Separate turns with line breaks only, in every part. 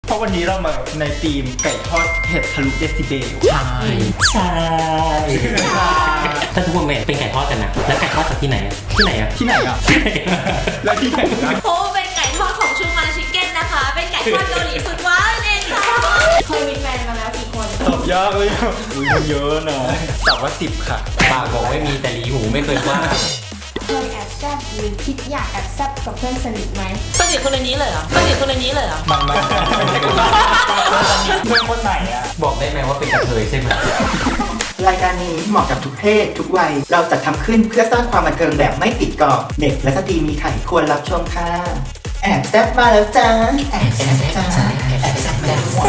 เพราะวันนี้เรามาในธีมไก่ทอดเผ็ดทะลุเดซิเบล
ใช่ถ้าทุกคนเป็นไก่ทอดกันนะแล้วไก่ทอดจากที่ไหนอะที่ไหนอะ
ที่ไหนอ่ะแล้วที่ไหนนะ
โอ้เป็นไก่ทอดของชูมาชิคเก้นนะคะเป็นไก่ทอดเกาหลีสุดว้าวเองค่ะเคยมีแฟนมาแล้วกี่คน
ตอบยากเลยมันเยอะนะตอบว่า10ค่ะ
ปากบอกไม่มีแต่ลีหูไม่เคยว่า
เคยแอบแซบหรือคิดอยากแอบแซบกับเพื่อนสนิทไหม
สนิทคนนี้เลยเหรอสนิทคนนี้เลยเหรอ
ไม่เพื่อนคนไหนอ่ะ
บอกได้ไหมว่าเป็นกระเทยใช่ไหม
รายการนี้เหมาะกับทุกเพศทุกวัยเราจัดทำขึ้นเพื่อสร้างความบันเทิงแบบไม่ติดกรอบเด็กและสตรีมีไข่ควรรับชมค่ะแอบแซบมาแล้วจ้าแอบแซบจ้าแอบแซบ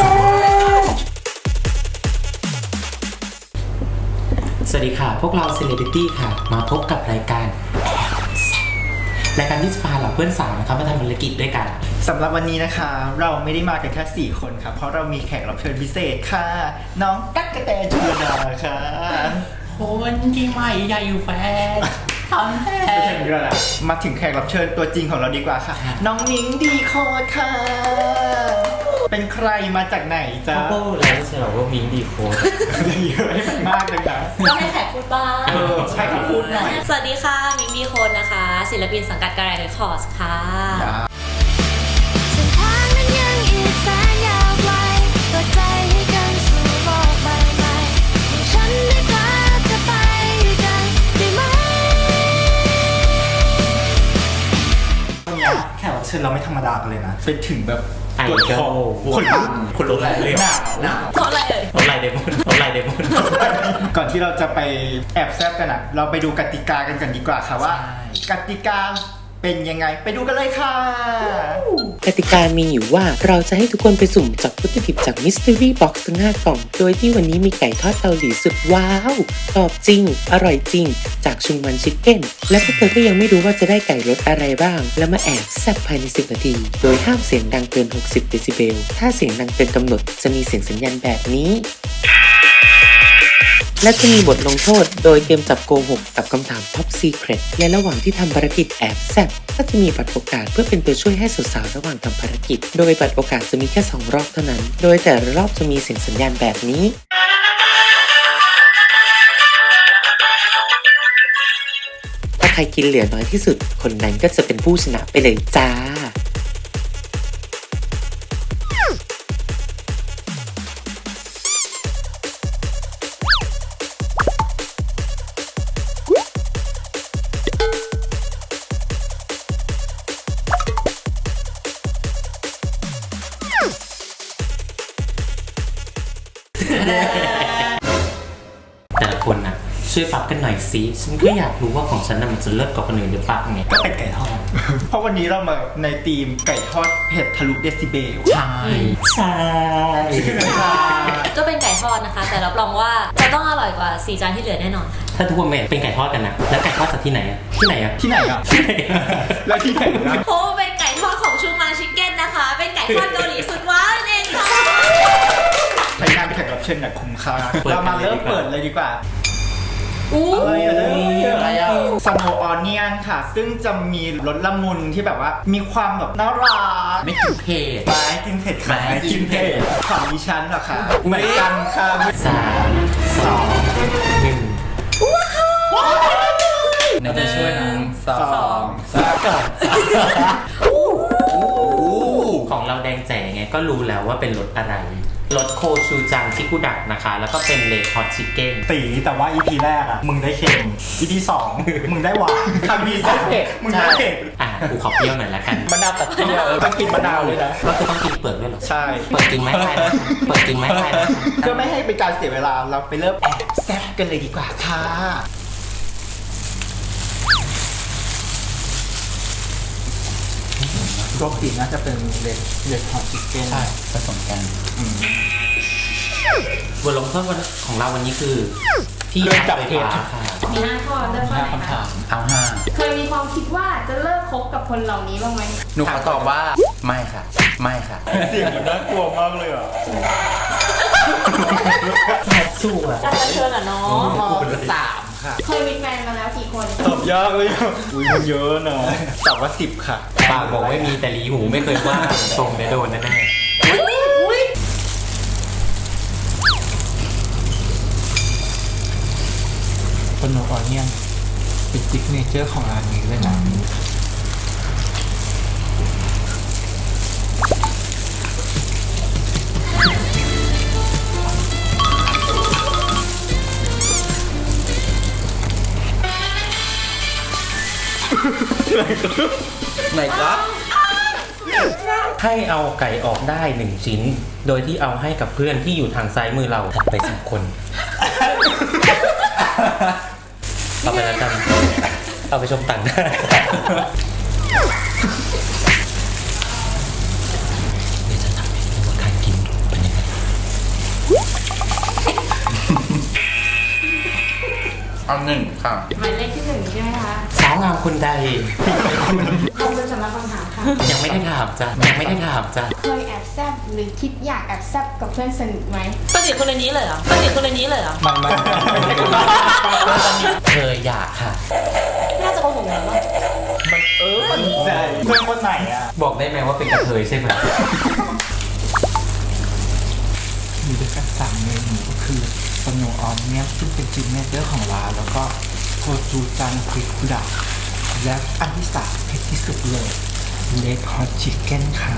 สวัสดีค่ะพวกเราเซเลบริตี้ค่ะมาพบกับรายการรายการที่จะพาเหล่าเพื่อนสาวนะครับมาทำภารกิจด้วยกัน
สำหรับวันนี้นะคะเราไม่ได้มากันแค่4คนครับเพราะเรามีแขกรับเชิญพิเศษค่ะน้องตั๊กกะแตนชลดาค่ะ
คนที่ไม่ใหญ่แฟนทำแท้
มาถึงแขกรับเชิญตัวจริงของเราดีกว่าค่ะน้องนิ้งดีโคตรค่ะเป็นใครมาจากไหนจ๊ะ
โอ้แล้วใช่หรอว่ามิ้งดีโคตร
เยอะให้มันมากเลยนะ
ก็ให้แขกพูดบ้าง
ใช่ครับพูดหน่อย
สวัสดีค่ะมิ้งดีโคนนะคะศิลปินสังกัดการ์เรคคอร์สค่ะ
แขกรับเชิญเราไม่ธรรมดากันเลยนะเป็นถึงแบบ
ไอดอลคนลุกเลย
หนาว
เพราะอะไรเอ่ย
เพราะอะไรเดมอนเพราะอะไรเดมอน
ก่อนที่เราจะไปแอบแซบกันนะเราไปดูกติกากันก่อนดีกว่าค่ะว่ากติกาเป็นยังไงไปดูกันเลยค่ะ
กติกามีอยู่ว่าเราจะให้ทุกคนไปสุ่มจับวัตถุดิบจาก Mystery Box ทั้ง5 กล่องโดยที่วันนี้มีไก่ทอดเกาหลีสุดว้าวกรอบจริงอร่อยจริงจากชุงมันชิคเก้นและพวกเธอก็ยังไม่รู้ว่าจะได้ไก่รสอะไรบ้างแล้วมาแอบแซ่บภายใน10 นาทีโดยห้ามเสียงดังเกิน60 เดซิเบลถ้าเสียงดังเกินกำหนดจะมีเสียงสัญญาณแบบนี้และจะมีบทลงโทษโดยเกมจับโกหกกับคำถาม Top Secret และระหว่างที่ทำภารกิจแอบแซ่บก็จะมีบัตรโอกาสเพื่อเป็นตัวช่วยให้สาวๆระหว่างทำภารกิจโดยบัตรโอกาสจะมีแค่2 รอบเท่านั้นโดยแต่ละรอบจะมีเสียงสัญญาณแบบนี้ถ้าใครกินเหลือน้อยที่สุดคนนั้นก็จะเป็นผู้ชนะไปเลยจ้า
แต่ละคนนะช่วยฟับกันหน่อยสิฉันก็อยากรู้ว่าของฉันน่ะมันจะเลิศกว่าคนอื่นหรือเปล่าไง
ก็เป็นไก่ทอดเพราะวันนี้เรามาในธีมไก่ทอดเผ็ดทะลุเดซิเบล
ใช่
ก็เป็นไก่ทอดนะคะแต่รับรองว่าจะต้องอร่อยกว่า4 จานที่เหลือแน่นอนค่ะ
ถ้าทุกคนเป็นไก่ทอดกันนะแล้วไก่ทอดจากที่ไหนอะที่ไหนอะ
ที่ไหนอ่ะแล้วที่ไหนนะ
โอ้เป็นไก่ทอดของชูมาชิคเก้นนะคะเป็นไก่ทอดเกาหลีสุดว้าวเองค่ะ
รายการแขกรับเชิญเนี่ยคุ้มค่าเรามาเริ่มเปิดเลยดีกว่าอะไรอะสโนว์ออนเนียนค่ะซึ่งจะมีรสละมุนที่แบบว่ามีความแบบน่ารัก
ไม่กินเผ็ด
ไม่กินเผ็ดค่ะไม่กินเผ็ดของดิฉันเหรอคะเหมือนกันค่ะ
3 2 1
เราจะช่วยนะ2 ก่อน
ของเราแดงแจ๋ไงก็รู้แล้วว่าเป็นรสอะไรรสโคชูจังชิคุดักนะคะแล้วก็เป็นเลดฮอตชิคเก้น
ตีแต่ว่า EP แรกอ่ะมึงได้เค็ม EP 2มึงได้หวานคำมีได้เผ็ดมึงได้เผ็ด
กูขอเปรี้ยวหน่อยละกัน
มะนาวตัดเปรี้ยวต้องกินมะนาวเลยนะ
ก็คือต้องกินเปลือกด้วยหรอ
ใช่
เปิดจริงไหมได้นะเปิดจริงไหมได้นะ
เพื่อไม่ให้เป็นการเสียเวลาเราไปเริ่มแอบแซ่บกันเลยดีกว่าค่ะปกติน่าจะเป็นเลดฮอตชิคเก้น
ใช่ผสมกันบทลงโทษของเราวันนี้คือ
พี่จับเผ็ด
มี5 ข้อเริ่มข้อไหนคะ
เอา5
เคยมีความคิดว่าจะเลิกคบกับคนเหล่านี้บ้างไหม
หนูขอตอบว่าไม่ค่ะไม่ค่ะ
เสียงมันน่ากลัวมากเลยอ่ะ
แอบสู้อ่ะ
การเชิญอ่ะเนาะ
3 ค่ะ
เคยมีแฟนมาแล้วกี่คน
ตอบยากเลยมันเยอะนะตอบว่า10 ค่ะ
ปากบอกไม่มีแต่ลีหูไม่เคยว่าทรงเดี๋ยวโดนแน่
เจอร์ของร้านนี้เลยนะไหนครับ
ให้เอาไก่ออกได้1ชิ้น โดยที่เอาให้กับเพื่อนที่อยู่ทางซ้ายมือเราถัดไป10 คน เอาไปแล้วกันเอาไปชมต่างหน้าเดี๋ยวจะทำให้ดูว่าการกินเป็นยังไง
เอาหนึ่งค่ะ
หมายเลขที่ 1 ใช่ไหมคะ
สาวงามคนใด
ขอบคุณสำหรับคำถามค่ะ
ยังไม่ได้ถามจ้ะยังไม่ได้ถามจ้ะ
เคยแอบแซบหรือคิดอยากแอบแซบกับเพื่อนสนิทไหม
สนิทคนในนี้เลยเหรอสนิทคนในนี้เลยเหรอ
เคยอยากค่ะ
น่าจะโกหกแล้วว่า
ใช่เพื่อนคนไหนอ่ะ
บอกได้ไหมว่าเป็นกระเทยใช่ไหม
มีด้วยกัน3 เมนูก็คือสโนว์ออนเนี่ยซึ่งเป็นซิกเนเจอร์ของร้านแล้วก็โคจูจังพริกดักและอันที่3เผ็ดที่สุดเลยเลดฮอตชิคเก้นค่ะ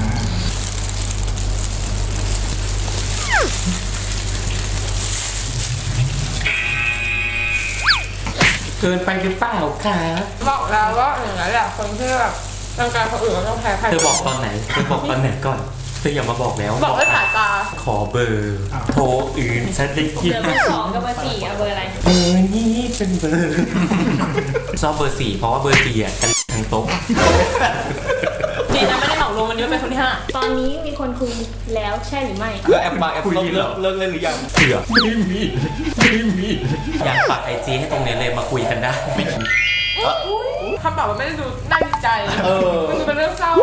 เกินไปหรือเปล่าคะ
บอกแล้วว่าอย่างนั้นแหละคนที่แบบร่างกายคนอื่นก็ต้องแพ้ใคร
เธอบอกตอนไหนเธอบอกตอนไหนก่อนเธออย่ามาบอกแล้ว
บอกด้วยสายตา
ขอเบอร์โทรอื่นฉันได้ยิน
เบอร์ 2กับเบอร์ 4เอาเบอร์อะไร
เบอร์นี้เป็นเบอร์ ชอบเบอร์ 4เพราะว่าเบอร์ 4อ่ะกันทั้งโต๊ะ
จีนะไม่ได้เหมารวมวันนี้เป็นคนที่
ตอนนี้มีคนคุยแล้วใช่หรือไม่
แล้วแอปมาแอปเลิกเล่นหรือยัง
เสือไม่มีอยากฝากIGให้ตรงนี้เลยมาคุยกันได้
คำตอบมันไม่ได้ดูน่าดีใจ มันดูเป็นเรื่องเศร้า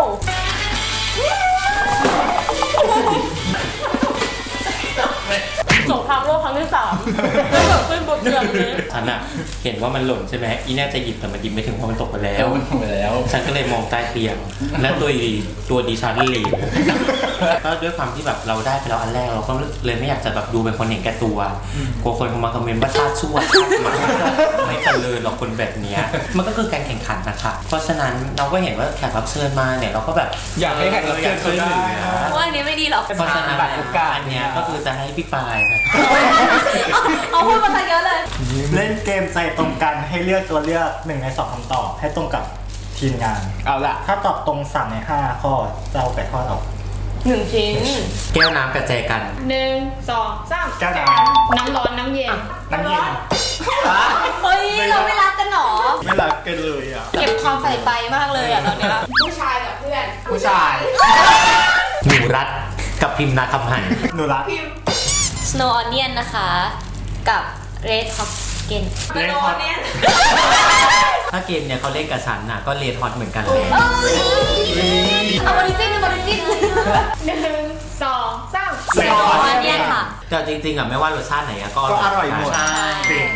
สงครามโลกครั้งที่ 3ไม่เกิดขึ้นบนเรือนี้
ฉันอะเห็นว่ามันหล่นใช่ไหมอีน่าจะหยิบแต่มันหยิบไม่ถึงเพราะมันตกไปแล้ว
มันทำไปแล้ว
ฉันก็เลยมองใต้เตียง และตัวดิฉันเหลวก็ด้วยความที่แบบเราได้ไปแล้วอันแรกเราก็เลยไม่อยากจะแบบดูเป็นคนเห็นแก่ตัวกลัวคนมาคอมเมนต์ว่าชาติชั่วชาติหมาไม่เจริญหรอกคนแบบเนี้ยมันก็คือการแข่งขันนะคะเพราะฉะนั้นเราก็เห็นว่าแขกรับเชิญมาเนี่ยเราก็แบบ
อยากให้แขกรับเชิญเขาได้
ว่าอันนี้ไม่ดีหรอก
เพราะฉะนั้นโอกาสอันเนี้ยก็คือจะให้พี่ปายนะ
เอาพูดมาซะเยอะเลย
เล่นเกมใจตรงกันให้เลือกตัวเลือก1 ใน 2คำตอบให้ตรงกับทีมงาน
เอาล่ะ
ถ้าตอบตรง3 ใน 5 ข้อจะเอาไก่ทอดออก
1 ชิ้น
แก้วน้ำกระแจกัน
1 2 3
แก้วน้
น้ำร้อนน้ำเย็น
น้ำเย็น
เฮ้ย เราไม่รักกันหรอ
ไม่รักกันเลยอ่ะ
เก็บความใส่ใจมากเลยอะตอนเนี้ย
ผู้ชายกับเพื่อน
ผู้ชาย
หนูรัดกับพิมพ์นาคำหัน
หนูรัก
Snow Onion นะคะ กับ Red Hot Chicken
Red Hot
ถ้าเกมเนี่ยเขาเล่นกับฉันน่ะก็เลทฮอตเหมือนกันเลย
เอาบริจินบริจิน
1 2 3
Snow Onion ค่ะ
แต่จริงๆอ่ะไม่ว่ารสชาติไหนอะก็
ก็อร่อยหมด
ใช่
จริง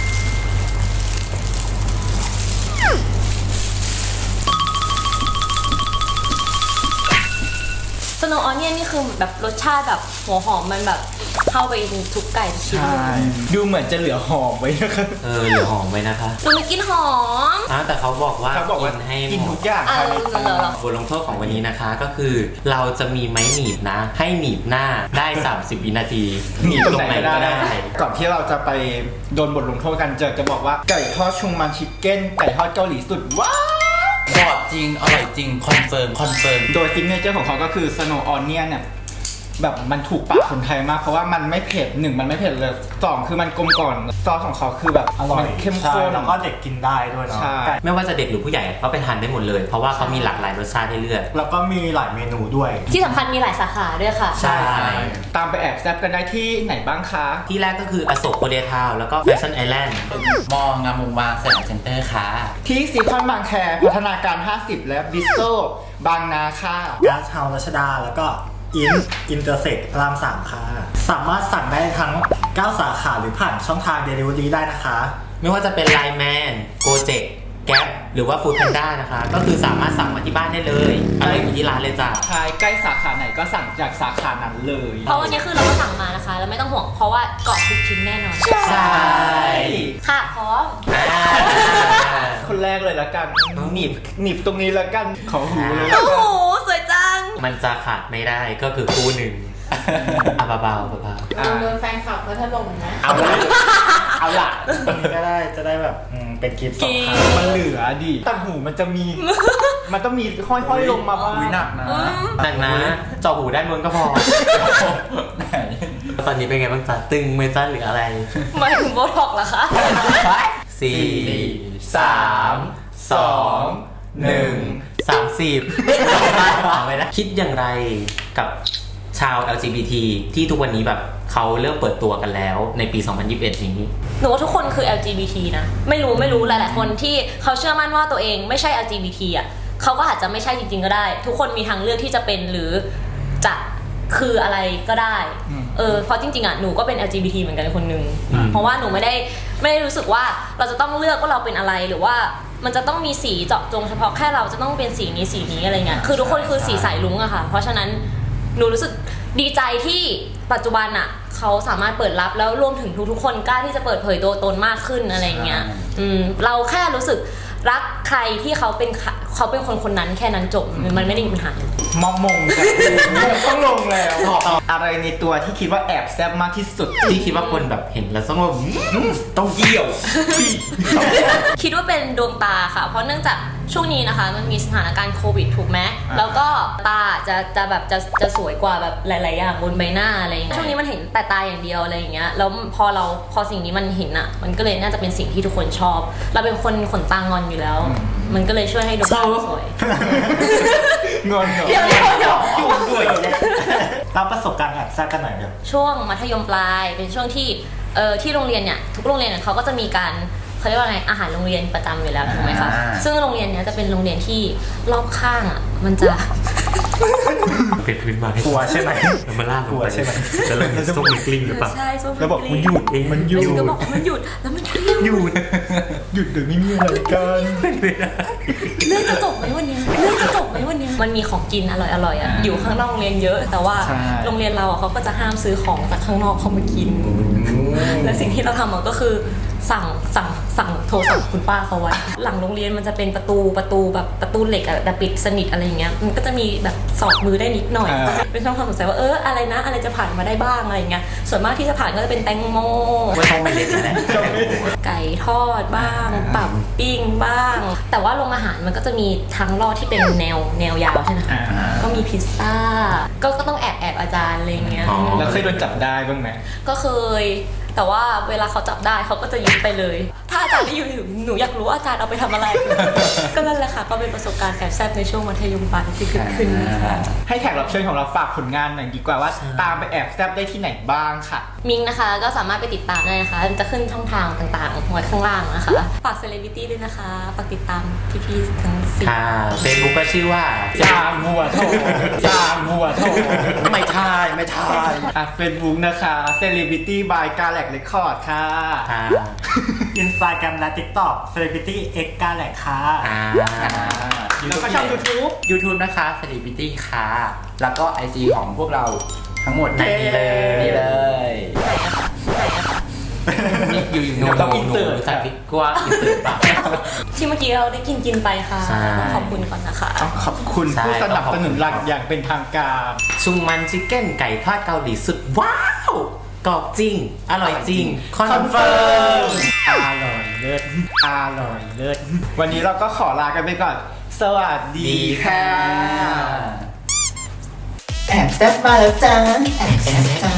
Snow Onion นี่คือแบบรสชาติแบบหัวหอมมันแบบเข้าไปทุกไก่ทุกชิ้น
ใช่ ดูเหมือนจะเหลือหอมไว้นะครับ
เหลือหอมไว้นะคะ
ดูมันกินหอม
แต่เขาบอกว่า
เขาบอกว่า
ให้
กิน
หม
ทุ
ด
กอย่าง
เอ
ภาย
อ
ใน
เหรอ
บทลงโทษของวันนี้นะคะก็คือเราจะมีไม้หนีบนะ ให้หนีบหน้าได้ 30 วินาทีหนีบตรงไหนก็ได้
ก่อนที่เราจะไปโดนบทลงโทษกันจะบอกว่าไก่ทอดชุงมันชิคเก้นไก่ทอดเกาหลีสุดว้าว
กรอบจริง อร่อยจริง คอนเฟิร์ม
โดยซิกเนเจอร์ของเขาก็คือสโนว์ออนเนียนเนี่ยแบบมันถูกปากคนไทยมาก เพราะว่ามันไม่เผ็ด1มันไม่เผ็ดเลย2คือมันกลมกล่อมซอสของเขาคือแบบ
อร่อย
มันเข้ม
ใช่
ข้น
แล้วก็เด็กกินได้ด้วยเนาะ
ใช่
ไม่ว่าจะเด็กหรือผู้ใหญ่ก็ไปทานได้หมดเลย เพราะว่าเขามีหลากหลายรสชาติให้เลือก
แล้วก็มีหลายเมนูด้วย
ที่สำคัญมีหลายสาขาด้วยค่ะ
ใช่
ตามไปแอบแซบกันได้ที่ไหนบ้างคะ
ที่แรกก็คืออโศกโคเรียทาวน์แล้วก็แฟชั่นไอแลนด์มองงามวงวานสยามเซ็นเตอร์ค่ะ
ที่ซีคอนบางแคพัฒนาการ 50 และบิสโซบางนาค่ะ
กาซเฮารัชดาแล้วก็อินเตอร์เซ็กพระราม3ค่ะ สามารถสั่งได้ทั้ง 9 สาขาหรือผ่านช่องทาง Delivery ได้นะคะ
ไม่ว่าจะเป็นไลน์แมนโกเจ็กแก๊ปหรือว่าฟู้ดแพนด้านะคะ ก็คือสามารถสั่งมาที่บ้านได้เลยอะไรอยู่ที่ร้านเลยจ้ะ
ใช่ใกล้สาขาไหนก็สั่งจากสาขานั้นเลย
เพราะวันนี้คือเราก็สั่งมานะคะ แล้วไม่ต้องห่วงเพราะว่าเกาะทุกชิ้นแน่นอน
ใช่
ค่ะพร้อม
คนแรกเลยละกันหนีบตรงนี้ละกันขอหูเลยละ
โอ้
กั
โห
น
สวยจัง
มันจะขาดไม่ได้ก็คือคู่หนึ่งอ่ะเบาๆเบา
โดนแฟนคลับเขาถล่มนะ
เอาละเอาละตรงนี้ก็ได้จะได้แบบเป็นคลิปสองครั้ง
มันเหลือดิต่างหูมันจะมี มันต้องมีห้อยๆลงมาบ้างหนักนะ
ๆหนักนะเจาะหูด้านบนก็พอตอนนี้เป็นไงบ้างจ๊ะตึงไหม่จ้าหรืออะไร
หมายถึงโบท็อกเหรอคะ
4 3 2 1 30เอาไว้นะคิดอย่างไรกับชาว LGBT ที่ทุกวันนี้แบบเขาเริ่มเปิดตัวกันแล้วในปี 2021 นี้
หนูว่าทุกคนคือ LGBT นะ ไม่รู้หลายๆคนที่เขาเชื่อมั่นว่าตัวเองไม่ใช่ LGBT อ่ะเขาก็อาจจะไม่ใช่จริงๆก็ได้ ทุกคนมีทางเลือกที่จะเป็นหรือจะคืออะไรก็ได้เพราะจริงๆอ่ะหนูก็เป็น LGBT เหมือนกันคนหนึ่งเพราะว่าหนูไม่ได้รู้สึกว่าเราจะต้องเลือกว่าเราเป็นอะไรหรือว่ามันจะต้องมีสีเจาะจงเฉพาะแค่เราจะต้องเป็นสีนี้อะไรเงี้ยคือทุกคนคือสีสายลุ้งอะค่ะเพราะฉะนั้นหนูรู้สึกดีใจที่ปัจจุบันอะเขาสามารถเปิดรับแล้วรวมถึงทุกๆคนกล้าที่จะเปิดเผยตัวตนมากขึ้นอะไรเงี้ยเราแค่รู้สึกรักใครที่เขาเป็นคนนั้นแค่นั้นจบมันไม่ได้มีปัญหา
มองมงกันต้องลงแล้วอะไรในตัวที่คิดว่าแอบแซ่บมากที่สุด
ที่คิดว่าคนแบบเห็นแล้วต้องแบบต้องเยี่ยว
คิดว่าเป็นดวงตาค่ะ เพราะเนื่องจากช่วงนี้นะคะมันมีสถานการณ์โควิดถูกไหมแล้วก็ตาจะแบบจะสวยกว่าแบบหลายๆอย่างบนใบหน้าอะไรอย่างเงี้ยช่วงนี้มันเห็นแต่ตาอย่างเดียวอะไรอย่างเงี้ยแล้วพอสิ่งนี้มันเห็นอ่ะมันก็เลยน่าจะเป็นสิ่งที่ทุกคนชอบเราเป็นคนขนตางอนอยู่แล้ว มันก็เลยช่วยให้ดวงตาสวย
งอนเหรอ
เดี๋ยว
ยุ่งด้วย
เล่าประสบการณ์แอบแซ่บกันหน่อยเดี๋ยว
ช่วงมัธยมปลายเป็นช่วงที่ที่โรงเรียนเนี่ยทุกโรงเรียนเนี่ยเขาก็จะมีการเขาเรียกว่าไงอาหารโรงเรียนประจำอยู่แล้วถูกไหมคะซึ่งโรงเรียนเนี้ยจะเป็นโรงเรียนที่รอบข้างอ่ะมันจะ
เป็นพื้นไม้
กลัวใช่ไหม
แล้วมันลากลง
กลัว
ไป
ใช่ไหม
จะเริ่มส้มมีกลิ้งหรือเปล่า
ใช่ส้ม
แล้วบอกมันหยุดมันหยุด
ก็บอกว่ามันหยุดแล้วมันก็หยุด
หยุดหรือไม่มีอะไรกัน
เรื่องจะจบไหมวันนี้มันมีของกินอร่อยๆอ่ะอยู่ข้างนอกโรงเรียนเยอะ แต่ว่าโรงเรียนเราอ่ะเขาก็จะห้ามซื้อของจากข้างนอกเข้ามากินและสิ่งที่เราทำก็คือสั่งโทรสั่งคุณป้าเขาไว้หลังโรงเรียนมันจะเป็นประตูแบบประตูเหล็กอะแต่ปิดสนิทอะไรอย่างเงี้ยมันก็จะมีแบบสอดมือได้นิดหน่อยเป็นช่องความสงสัยว่าอะไรนะอะไรจะผ่านมาได้บ้างอะไรอย่างเงี้ยส่วนมากที่จะผ่านก็จะเป็นแตงโม
ว่าต้องไม่เล็กนะ
ไก่ทอดบ้างปับปิ้งบ้าง แต่ว่าโรงอาหารมันก็จะมีทั้งรอดที่เป็นแนวยาวใช่ไหมคะก็มีพิซซ่าก็ต้องแอบอาจารย์อะไรอย่างเงี้ย
แล้วเคยโดนจับได้บ้างไหม
ก็เคยแต่ว่าเวลาเขาจับได้เขาก็จะยึดไปเลย ถ้าอาจารย์ที่อยู่หนูอยากรู้ว่าอาจารย์เอาไปทำอะไร ก็นั่นแหละค่ะก็เป็นประสบการณ์แอบแซ่บในช่วงมัธยมปลายที่เกิดขึ้นนะคะ
ให้แขกรับเชิญของเราฝากผลงานหน่อยดีกว่าว่าตามไปแอบแซ่บได้ที่ไหนบ้างค่ะ
มิงนะคะก็สามารถไปติดตามได้นะคะมันจะขึ้นช่องทางต่างๆไว้ข้างล่างนะคะฝากเซเลบริตี้ด้วยนะคะฝากติดตามพี่ๆทั้งสี่
ค่ะเฟซบุ๊กก็ชื่อว่า
จางหัวโถ
ไม่ทาย
เฟซบุ๊กนะคะ Celebrity by Galax Record ค่ะ
ค่ะ
Instagram และ TikTok Celebrity X กาแหลกค่ะ
แล้วก็ช่อง YouTube
YouTube นะคะ Celebrity ค่ะ
แล้วก็ IG ของพวกเราทั้งหมด
ในนี้เลย
นี่เลย
นี่อยู่หนู
ต้องอินเสิร์ต
ใส่พริกกว่าอินเสิร์ตปะ
ที่เมื่อกี้เราได้กินไปค่ะ
ใช่
ขอบคุณก่อนนะคะ
ขอบคุณผู้สนับสนุนหลักอย่างเป็นทางการ
ชุงมันชิคเก้นไก่ทอดเกาหลีสุดว้าวกรอบจริง อร่อยจริง คอนเฟิร์ม
อร่อยเลิศวันนี้เราก็ขอลากันไปก่อน สวัสดีค่ะ
แอบแซ่บมาแล้วจ้าแอบแซ่บจ้า